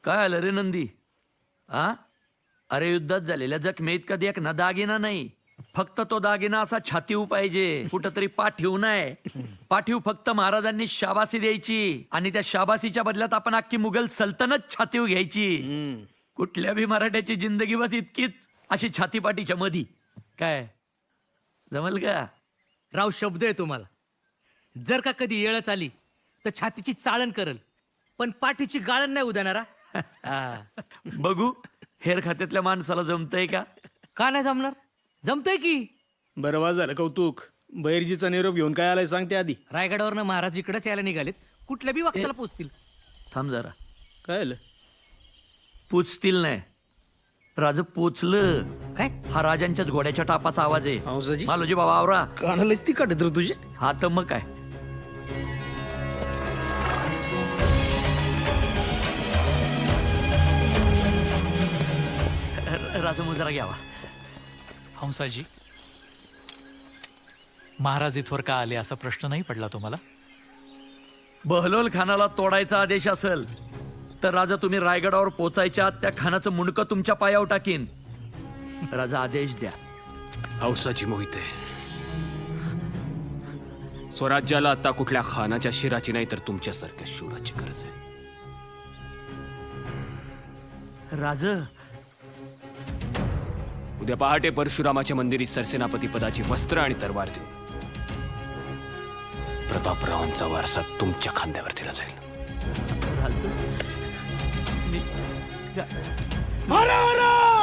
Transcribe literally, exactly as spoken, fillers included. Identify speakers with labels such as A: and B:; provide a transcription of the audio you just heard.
A: काय आलं रे नंदी? आ अरे युद्धात झालेल्या जखमेत कधी एक ना दागिना नाही, फक्त तो दागिना असा छातीव पाहिजे, कुठंतरी पाठीव नाही. पाठीव फक्त महाराजांनी शाबासी द्यायची आणि त्या शाबासीच्या बदल्यात आपण अख्खी मुघल सल्तनत छातीव घ्यायची. कुठल्या बी मराठ्याची जिंदगी बस इतकीच अशी छातीपाठीच्या मधी. काय जमल का?
B: राव शब्द आहे तुम्हाला. जर का कधी येळच आली तर छातीची चाळण करल, पण पाठीची गाळण नाही उदानारा.
A: बघू हेर खात्यातल्या माणसाला जमतंय का?
B: का नाही जमणार? जमतंय की.
C: बरं वा झालं कौतुक. बैरजीचा निरोप घेऊन काय आलाय सांगते आधी.
B: रायगडावरनं महाराज इकडेच यायला निघालेत, कुठल्या बी वक्ताला पोचतील.
A: थांब जरा.
C: काय आलं?
A: पोचतील नाही, राज पोचलं.
B: काय?
A: हा राजांच्याच घोड्याच्या टापाचा आवाज आहे.
C: हंसाजी?
A: मालोजी बाबा आवरा.
C: कानालाच ती काढत रे तुझे.
A: हा तर मग काय. राजा मुजरा घ्यावा.
D: हंसाजी, महाराज इथवर का आले असा प्रश्न नाही पडला तुम्हाला?
A: बहलोल खानाला तोडायचा आदेश असेल तर राजा तुम्ही रायगडावर पोचायच्या आत त्या खानाचं मुंडकं तुमच्या पायावर टाकीन. राजा आदेश द्या.
E: हौसाची मोहिते, स्वराज्याला आता कुठल्या खानाच्या शिराची नाही तर तुमच्यासारख्या शूराची गरज आहे.
A: राज
E: उद्या पहाटे परशुरामाच्या मंदिरी सरसेनापती पदाची वस्त्र आणि तरवार देऊन प्रतापरावांचा वारसा तुमच्या खांद्यावर दिला जाईल.
A: राज मी
C: हरा हरा